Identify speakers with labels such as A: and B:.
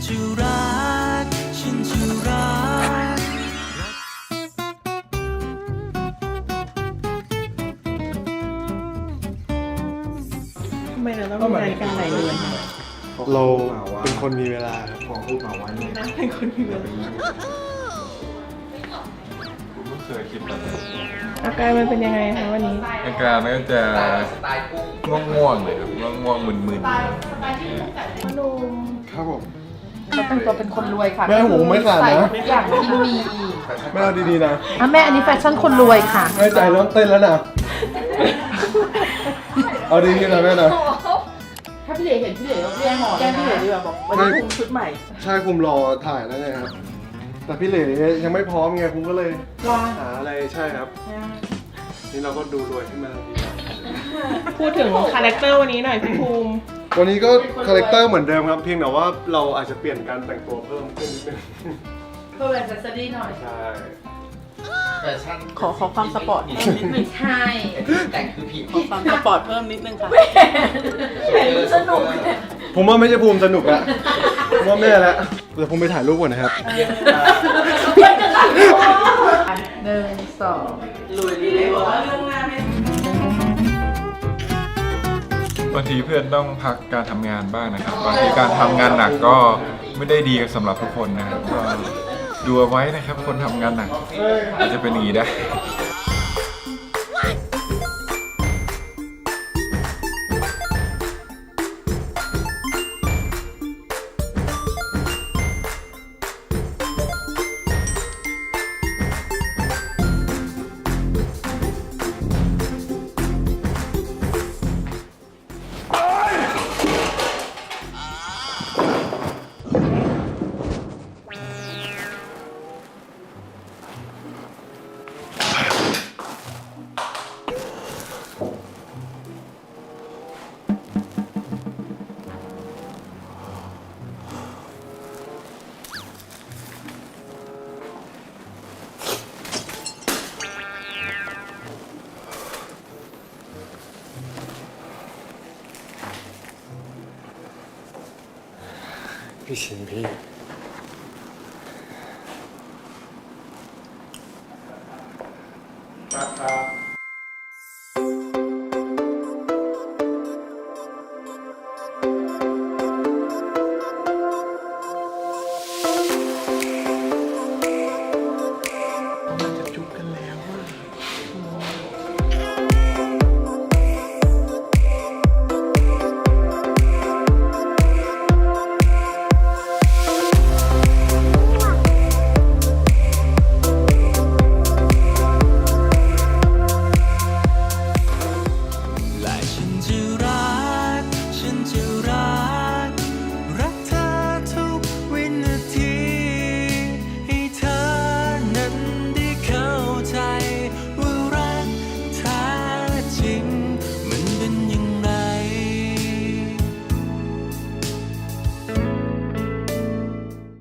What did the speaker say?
A: จะรักฉันจะรัก
B: ทำไมเราต้องมีนาฬิกาหลายเรือนคะ
C: เราเป็นคนมีเวลาครับ
D: ของพูดมาไว้เนี่ย
B: เป็นคนมีเวลา
D: ผมไม่เคยคิดแบบนี้
B: อาการมันเป็นยังไงคะวันนี้
D: อาการมันก็จะง่วงๆเลยครับง่วงๆมึน
B: นุ่ม
C: ครับผม
E: เขาแต่งตัวเป็นคนรวยค่ะ
C: แม่หูไม่ขาดนะ
E: ใส่ทุกอย่างที่มี
C: แม่เอาดีๆนะ
E: อ่ะแม่อันนี้แฟชั่นคนรวยค่ะ
C: แม่ใจเริ่มเต้นแล้วนะเอาดีๆนะแม่นะ
E: ถ้าพี่เหลเห็นพี่เหลก็แย่งหมอน
B: แก้พี่เหลือดีกว่าบอกวันนี้คุมชุดใหม่
C: ใช่คุมรอถ่ายแล้วไงครับ แต่พี่เหล่ยังไม่พร้อมไงคุมก็เลย
B: ว่า
C: หาอะไรใช่ครับ นี่เราก็ดูรวยขึ้นมาทันทีครับ
B: พูดถึงคาแรคเตอร์วันนี้หน่อยพี่ภูมิ
C: วันนี้ก็คาแรคเตอร์เหมือนเดิมครับ เพียงแต่ว่าเราอาจจะเปลี่ยนการแต่งตัวเพิ่มขึ้นนิดนึง
E: เพื่อเป็นแฟชั่นดีหน่อย
C: ใช่
B: ขอความสปอร์ตนิดนึง
E: ไม่ใช่
F: แต่งคือผิว
B: ขอความสปอร์ตเพิ่มนิดนึงค่ะ
E: เห็นสนุก
C: ผมว่าไม่ใช่ภูมิสนุกละผมว่าแม่ละเดี๋ยวผมไปถ่ายรูปก่อนนะครับ
E: หนึ่งสอง
B: ลุยเลยบอกว่าเรื่องงานไม่
D: ๆบางทีเพื่อนต้องพักการทำงานบ้างนะครับบางทีการทำงานหนักก็ไม่ได้ดีสำหรับทุกคนนะครับก็ดูเอาไว้นะครับคนทำงานหนักอาจจะเป็นอย่างนี้ได้
C: พี่ชินพี่